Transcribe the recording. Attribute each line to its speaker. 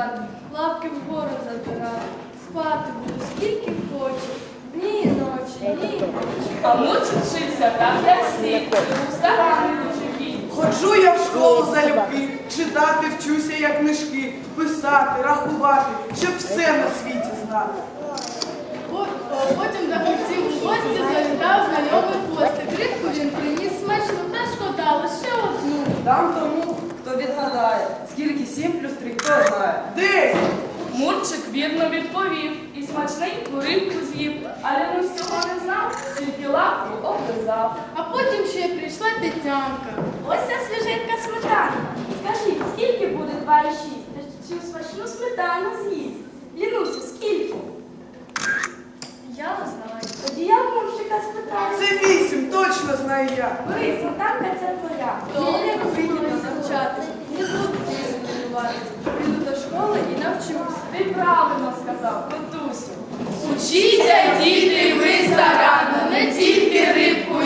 Speaker 1: лежати, лапки вгору задирати. Спати буду скільки хочу, дні і ночі, дні і ночі.
Speaker 2: А Мурчик вчився так, як слід, був старанний дуже кіт.
Speaker 3: Ходжу я в школу залюбки, читати вчуся, як книжки, писати, рахувати, щоб все на світі знати.
Speaker 1: Потім до гостів у гості завітав знайомий постик. Рибку він приніс смачну, та шкода, лише одну.
Speaker 4: Дам тому, хто відгадає, скільки 7 плюс 3, хто знає.
Speaker 3: 10!
Speaker 2: Мурчик вірно відповів і смачненьку рибку з'їв, але він цього не знав, тільки лапку облизав.
Speaker 1: А потім ще прийшла Тетянка.
Speaker 5: Ось ця свіженька сметана. Скажіть, скільки буде 2 і 6? Та цю смачну сметану з'їсть. Лінусю, скільки?
Speaker 1: Я знаю.
Speaker 5: Тоді я в Мурчика спитаю.
Speaker 3: Це 8, точно знаю я.
Speaker 5: Бери, сметанка ця твоя.
Speaker 1: Я як вмію навчатись, не буду тренуватись. Піду до школи і навчусь.
Speaker 2: Ти правильно сказав, Петусю. Учіться, діти, ви старанно, не тільки рибку